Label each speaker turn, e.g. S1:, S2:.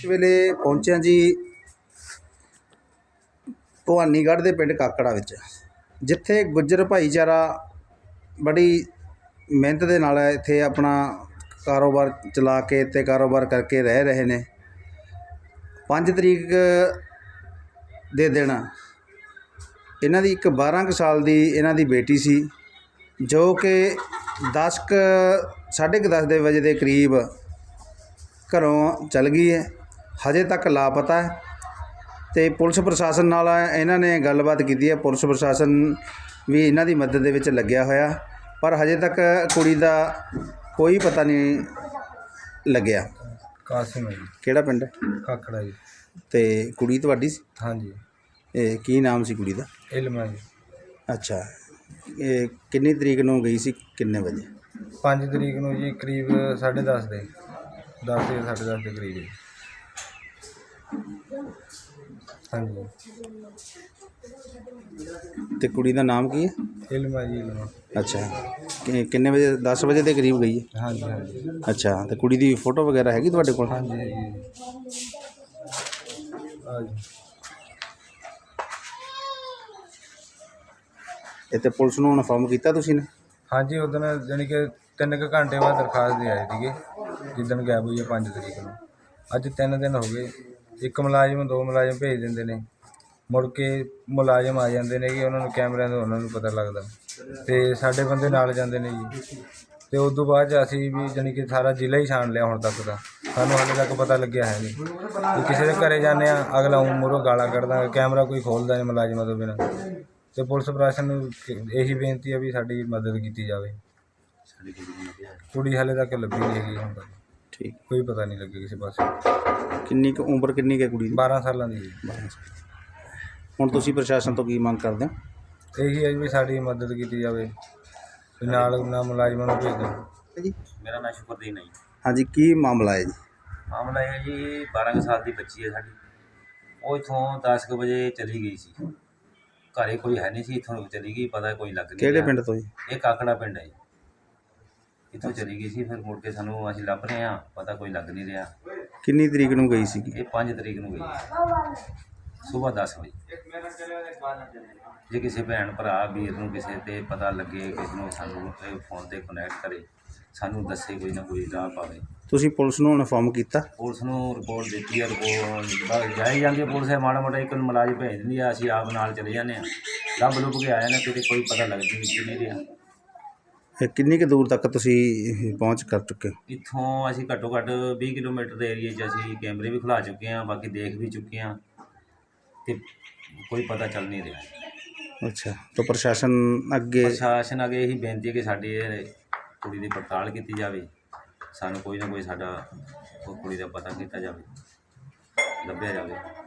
S1: ਵੇਲੇ ਪਹੁੰਚਿਆ ਜੀ ਭਵਾਨੀਗੜ੍ਹ ਦੇ ਪਿੰਡ ਕਾਕੜਾ ਵਿੱਚ, ਜਿੱਥੇ ਗੁੱਜਰ ਭਾਈਚਾਰਾ ਬੜੀ ਮਿਹਨਤ ਦੇ ਨਾਲ ਇੱਥੇ ਆਪਣਾ ਕਾਰੋਬਾਰ ਚਲਾ ਕੇ ਤੇ ਕਾਰੋਬਾਰ ਕਰਕੇ ਰਹਿ ਰਹੇ ਨੇ। 5 ਤਰੀਕ ਦੇ ਦਿਨ ਇਹਨਾਂ ਦੀ ਇੱਕ 12 ਕੁ ਸਾਲ ਦੀ ਇਹਨਾਂ ਦੀ ਬੇਟੀ ਸੀ, ਜੋ ਕਿ 10:30 ਦੇ ਵਜੇ ਦੇ ਕਰੀਬ ਘਰੋਂ ਚਲ ਗਈ ਹੈ। ਹਜੇ ਤੱਕ ਲਾਪਤਾ ਹੈ ਤੇ ਪੁਲਿਸ ਪ੍ਰਸ਼ਾਸਨ ਨਾਲ ਇਹਨਾਂ ਨੇ ਗੱਲਬਾਤ ਕੀਤੀ ਹੈ। ਪੁਲਿਸ ਪ੍ਰਸ਼ਾਸਨ ਵੀ ਇਹਨਾਂ ਦੀ ਮਦਦ ਦੇ ਵਿੱਚ ਲੱਗਿਆ ਹੋਇਆ, ਪਰ ਹਜੇ ਤੱਕ ਕੁੜੀ ਦਾ ਕੋਈ ਪਤਾ ਨਹੀਂ ਲੱਗਿਆ।
S2: ਕਾਸਿਮ ਹੈ ਜੀ।
S1: ਕਿਹੜਾ ਪਿੰਡ?
S2: ਕਾਕੜਾ ਜੀ।
S1: ਤੇ ਕੁੜੀ ਤੁਹਾਡੀ ਸੀ?
S2: ਹਾਂਜੀ।
S1: ਇਹ ਕੀ ਨਾਮ ਸੀ ਕੁੜੀ ਦਾ?
S2: ਇਲਮਾ ਜੀ।
S1: ਅੱਛਾ, ਇਹ ਕਿੰਨੀ ਤਰੀਕ ਨੂੰ ਗਈ ਸੀ, ਕਿੰਨੇ ਵਜੇ?
S2: 5 ਤਰੀਕ ਨੂੰ ਜੀ, ਕਰੀਬ 10:30 ਦੇ 10 ਜਾਂ 10:30 ਦੇ ਕਰੀਬ ਜੀ। ਹਾਂਜੀ।
S1: ਤੇ ਕੁੜੀ ਦਾ ਨਾਮ ਕੀ ਹੈ?
S2: ਇਲਮਾ ਜੀ, ਇਲਮਾ।
S1: ਅੱਛਾ, ਕਿੰਨੇ ਵਜੇ? 10 ਵਜੇ ਦੇ ਕਰੀਬ ਗਈ ਹੈ?
S2: ਹਾਂਜੀ ਹਾਂਜੀ।
S1: ਅੱਛਾ, ਤੇ ਕੁੜੀ ਦੀ ਫੋਟੋ ਵਗੈਰਾ ਹੈਗੀ ਤੁਹਾਡੇ ਕੋਲ?
S2: ਹਾਂਜੀ ਹੈਗੀ ਜੀ। ਹਾਂਜੀ।
S1: ਇਹ ਤੇ ਪੁਲਿਸ ਨੂੰ ਇਨਫੋਰਮ ਕੀਤਾ ਤੁਸੀਂ ਨੇ?
S2: ਹਾਂਜੀ, ਉਦੋਂ ਜਾਣੀ ਕਿ 3 ਕੁ ਘੰਟੇ ਬਾਅਦ ਦਰਖਾਸਤ ਦੇ ਆਏ ਸੀਗੇ, ਜਿੱਦਣ ਗਾਇਬ ਹੋਈ ਹੈ 5 ਤਰੀਕ ਨੂੰ। ਅੱਜ 3 ਦਿਨ ਹੋ ਗਏ। ਇੱਕ ਮੁਲਾਜ਼ਮ 2 ਮੁਲਾਜ਼ਮ ਭੇਜ ਦਿੰਦੇ ਨੇ, ਮੁੜ ਕੇ ਮੁਲਾਜ਼ਮ ਆ ਜਾਂਦੇ ਨੇ ਕਿ ਉਹਨਾਂ ਨੂੰ ਕੈਮਰਿਆਂ ਤੋਂ ਉਹਨਾਂ ਨੂੰ ਪਤਾ ਲੱਗਦਾ, ਅਤੇ ਸਾਡੇ ਬੰਦੇ ਨਾਲ ਜਾਂਦੇ ਨੇ ਜੀ। ਅਤੇ ਉਸ ਤੋਂ ਬਾਅਦ 'ਚ ਅਸੀਂ ਵੀ ਜਾਣੀ ਕਿ ਸਾਰਾ ਜ਼ਿਲ੍ਹਾ ਹੀ ਛਾਣ ਲਿਆ ਹੁਣ ਤੱਕ ਦਾ, ਸਾਨੂੰ ਹਾਲੇ ਤੱਕ ਪਤਾ ਲੱਗਿਆ ਹੈ ਨਹੀਂ। ਜੇ ਕਿਸੇ ਦੇ ਘਰੇ ਜਾਂਦੇ ਹਾਂ, ਅਗਲਾ ਮੂਹਰੋਂ ਗਾਲਾਂ ਕੱਢਦਾ, ਕੈਮਰਾ ਕੋਈ ਖੋਲ੍ਹਦਾ ਨਹੀਂ ਮੁਲਾਜ਼ਮਾਂ ਤੋਂ ਬਿਨਾਂ। ਅਤੇ ਪੁਲਿਸ ਪ੍ਰਸ਼ਾਸਨ ਨੂੰ ਇਹੀ ਬੇਨਤੀ ਹੈ ਵੀ ਸਾਡੀ ਮਦਦ ਕੀਤੀ ਜਾਵੇ। ਕੁੜੀ ਹਾਲੇ ਤੱਕ ਲੱਭੀ ਨਹੀਂ ਹੈਗੀ ਹੁਣ ਤੱਕ।
S1: ਠੀਕ,
S2: ਕੋਈ ਪਤਾ ਨਹੀਂ ਲੱਗਿਆ ਕਿਸੇ ਪਾਸੇ।
S1: ਕਿੰਨੀ ਕੁ ਉਮਰ ਕਿੰਨੀ ਕੁ ਹੈ ਕੁੜੀ ਦੀ?
S2: 12 ਸਾਲਾਂ ਦੀ ਜੀ।
S1: 12 ਸਾਲ। ਹੁਣ ਤੁਸੀਂ ਪ੍ਰਸ਼ਾਸਨ ਤੋਂ ਕੀ ਮੰਗ ਕਰਦੇ ਹੋ?
S2: ਇਹੀ ਹੈ ਵੀ ਸਾਡੀ ਮਦਦ ਕੀਤੀ ਜਾਵੇ, ਵੀ ਨਾਲ ਮੁਲਾਜ਼ਮਾਂ ਨੂੰ ਭੇਜ ਦਿਓ
S1: ਜੀ।
S3: ਮੇਰਾ ਨਾਮ ਸ਼ੁਕਰਦੀਨ ਹੈ ਜੀ।
S1: ਹਾਂਜੀ, ਕੀ ਮਾਮਲਾ ਹੈ ਜੀ?
S3: ਮਾਮਲਾ ਇਹ ਹੈ ਜੀ, 12 ਕੁ ਸਾਲ ਦੀ ਬੱਚੀ ਹੈ ਸਾਡੀ। ਉਹ ਇੱਥੋਂ 10 ਕੁ ਵਜੇ ਚਲੀ ਗਈ ਸੀ, ਘਰੇ ਕੋਈ ਹੈ ਨਹੀਂ ਸੀ, ਇੱਥੋਂ ਚਲੀ ਗਈ, ਪਤਾ ਕੋਈ ਲੱਗ ਨਹੀਂ
S1: ਕਿਹੜੇ
S3: ਰਿਹਾ।
S1: ਪਿੰਡ ਤੋਂ ਜੀ?
S3: ਇਹ ਕਾਕੜਾ ਪਿੰਡ ਹੈ ਜੀ। ਇੱਥੋਂ ਚਲੀ ਗਈ ਸੀ, ਫਿਰ ਮੁੜ ਕੇ ਸਾਨੂੰ ਅਸੀਂ ਲੱਭ ਰਹੇ ਹਾਂ, ਪਤਾ ਕੋਈ ਲੱਗ ਨਹੀਂ ਰਿਹਾ।
S1: ਕਿੰਨੀ ਤਰੀਕ ਨੂੰ ਗਈ ਸੀ?
S3: ਇਹ 5 ਤਰੀਕ ਨੂੰ ਗਈ ਸੁਬਾਹ 10 ਵਜੇ। ਜੇ ਕਿਸੇ ਭੈਣ ਭਰਾ ਵੀਰ ਨੂੰ ਕਿਸੇ ਤੇ ਪਤਾ ਲੱਗੇ, ਕਿਸੇ ਨੂੰ ਸਾਨੂੰ ਫੋਨ 'ਤੇ ਕਨੈਕਟ ਕਰੇ, ਸਾਨੂੰ ਦੱਸੇ, ਕੋਈ ਨਾ ਕੋਈ ਰਾਹ ਪਾਵੇ।
S1: ਤੁਸੀਂ ਪੁਲਿਸ ਨੂੰ ਇਨਫੋਰਮ ਕੀਤਾ?
S3: ਪੁਲਿਸ ਨੂੰ ਰਿਪੋਰਟ ਦਿੱਤੀ ਹੈ, ਰਿਪੋਰਟ ਜਾਈ ਜਾਂਦੀ ਹੈ ਪੁਲਿਸ, ਮਾੜਾ ਮੋਟਾ ਇੱਕ ਮੁਲਾਜ਼ਮ ਭੇਜ ਦਿੰਦੀ ਆ, ਅਸੀਂ ਆਪ ਨਾਲ ਚਲੇ ਜਾਂਦੇ ਹਾਂ, ਲੱਭ ਲੁੱਭ ਕੇ ਆ ਜਾਂਦੇ, ਕਿਤੇ ਕੋਈ ਪਤਾ ਲੱਗਦੀ ਨਹੀਂ ਰਿਹਾ।
S1: ਕਿੰਨੀ ਕੁ ਦੂਰ ਤੱਕ ਤੁਸੀਂ ਪਹੁੰਚ ਕਰ ਚੁੱਕੇ ਹੋ?
S3: ਇੱਥੋਂ ਅਸੀਂ ਘੱਟੋ ਘੱਟ 20 ਕਿਲੋਮੀਟਰ ਦੇ ਏਰੀਏ 'ਚ ਅਸੀਂ ਕੈਮਰੇ ਵੀ ਖੁਲਾ ਚੁੱਕੇ ਹਾਂ, ਬਾਕੀ ਦੇਖ ਵੀ ਚੁੱਕੇ ਹਾਂ, ਅਤੇ ਕੋਈ ਪਤਾ ਚੱਲ ਨਹੀਂ ਰਿਹਾ।
S1: ਅੱਛਾ, ਤਾਂ ਪ੍ਰਸ਼ਾਸਨ ਅੱਗੇ
S3: ਇਹੀ ਬੇਨਤੀ ਹੈ ਕਿ ਸਾਡੀ ਕੁੜੀ ਦੀ ਪੜਤਾਲ ਕੀਤੀ ਜਾਵੇ, ਸਾਨੂੰ ਕੋਈ ਨਾ ਕੋਈ ਸਾਡਾ ਕੁੜੀ ਦਾ ਪਤਾ ਕੀਤਾ ਜਾਵੇ, ਲੱਭਿਆ ਜਾਵੇ।